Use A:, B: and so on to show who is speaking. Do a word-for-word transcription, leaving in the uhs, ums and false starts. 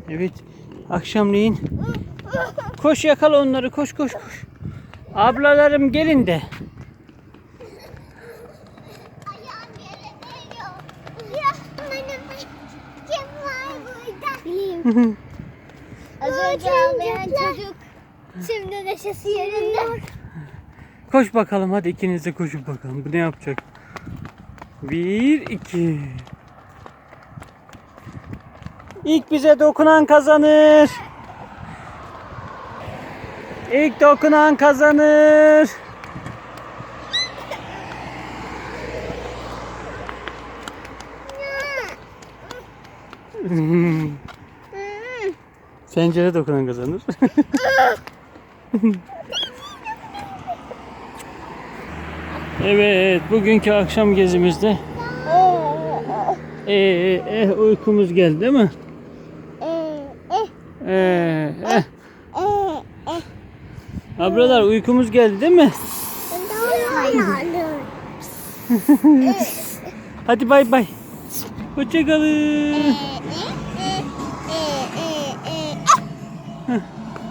A: Evet. Akşamleyin. Koş yakala onları. Koş koş koş. Ablalarım gelin de.
B: Ayağım yere değiyor. Ya benim kim var burada? Bileyim. Az önce ağlayan çocuk. Şimdi neşesi yerinde.
A: Koş bakalım hadi ikiniz de koşup bakalım. Bu ne yapacak? Bir, iki. İlk bize dokunan kazanır. İlk dokunan kazanır. Pencere dokunan kazanır. Evet, bugünkü akşam gezimizde ee, eh, uykumuz geldi değil mi? Ee, eh. Abralar uykumuz geldi değil mi? Hadi bay bay. Hoşça kalın.